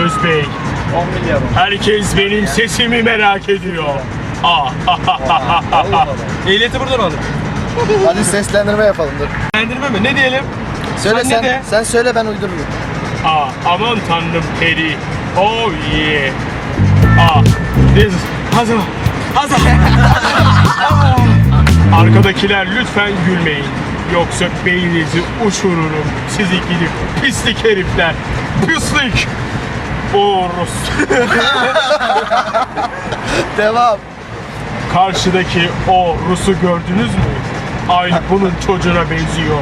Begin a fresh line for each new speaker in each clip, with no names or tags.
Özbey.
10 milyar.
Herkes benim sesimi merak ediyor.
Ehliyeti buradan alın.
Hadi seslendirme yapalım dur.
Beğendirme mi? Ne diyelim?
Söyle
Sen
sen.
ne de?
Sen söyle ben uydururum.
Aman tanrım peri. Oh yeah. This hazır. Hazır. Arkadakiler lütfen gülmeyin. Yoksa beyninizi uçururum. Sizi gidip pislik herifler. Pislik. Orus.
Devam.
Karşıdaki o Rus'u gördünüz mü? Aynı bunun çocuğuna benziyor.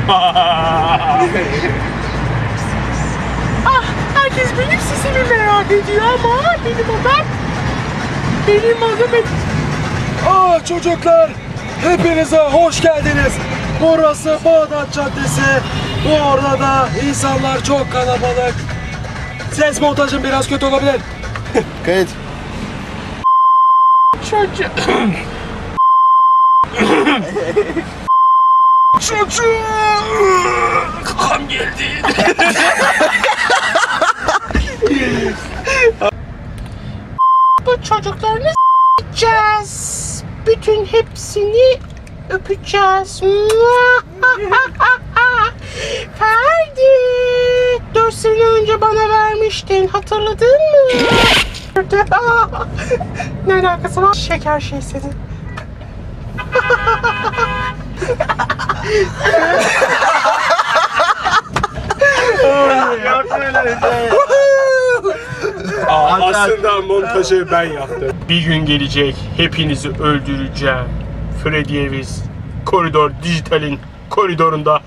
Herkes benim sesimi merak ediyor ama benim adım
Çocuklar, hepinize hoş geldiniz. Burası Bağdat Caddesi. Bu orada da insanlar çok kalabalık. Ses montajım biraz kötü olabilir.
Kayıt.
Çocuğum. Kakam geldi. Bu çocuklarını s**eceğiz. Bütün hepsini öpeceğiz. Ferdi, 4 sene önce bana vermiştin. Hatırladın mı? Ne alakası var? Şeker şey senin. Aslında montajı ben yaptım. Bir gün gelecek, hepinizi öldüreceğim. Freddy Eviz, Koridor Dijital'in koridorunda.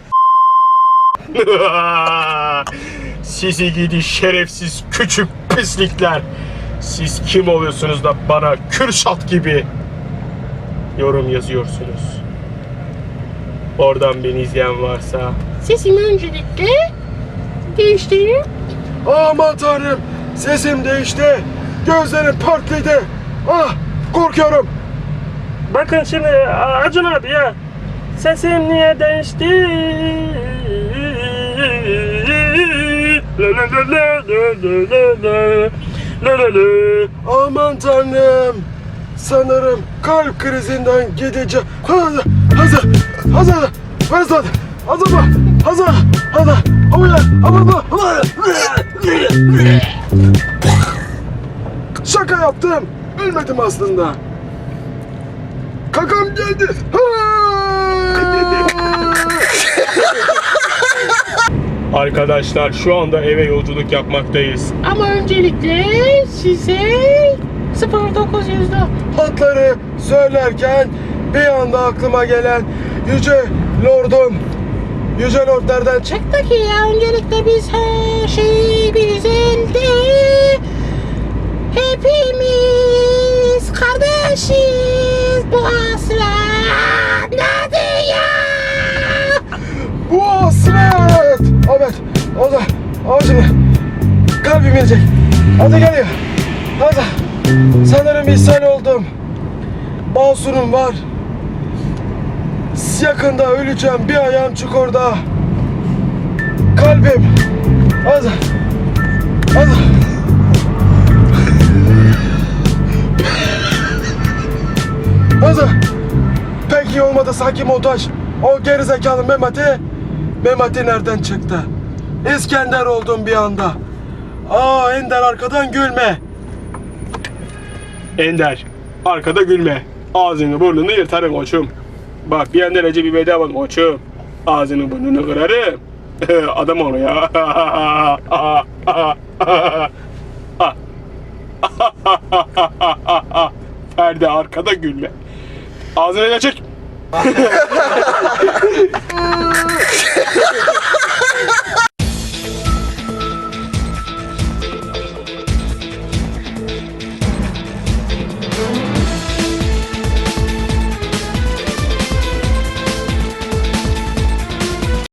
Sizi gidi şerefsiz küçük pislikler. Siz kim oluyorsunuz da bana Kürşat gibi yorum yazıyorsunuz? Oradan beni izleyen varsa sesimi öncelikle değiştireyim.
Aman tanrım, sesim değişti. Gözlerim pörtledi. Korkuyorum.
Bakın şimdi Acun abi ya, sesim niye değişti?
Aman tanrım. Sanırım kalp krizinden gideceğim. Hazır. Şaka yaptım. Ölmedim aslında. Kakam geldi.
Arkadaşlar şu anda eve yolculuk yapmaktayız. Ama öncelikle size 0900'da
Hatları söylerken bir anda aklıma gelen yüce lordum. Yüce lordlardan çık.
çıktı ya, öncelikle biz her şey güzeldi. Hepimiz kardeşiz bu aslandadı ya.
Bu hasret. Evet. O da. Şimdi kalbim gelecek. Hadi geliyor. Hadi. Sanırım ishal oldum. Basunum var. Yakında öleceğim. Bir ayağım çukurda. Kalbim. Hadi. Pek iyi olmadı sanki montaj. O gerizekalı Memati nereden çıktı? İskender oldum bir anda. Ender arkadan gülme.
Ender, arkada gülme. Ağzını burnunu yırtarım koçum. Bak bir yandan önce bir bedava koçum. Ağzını burnunu kırarım. Adam onu ya. Ferdi arkada gülme. Ağzını açık.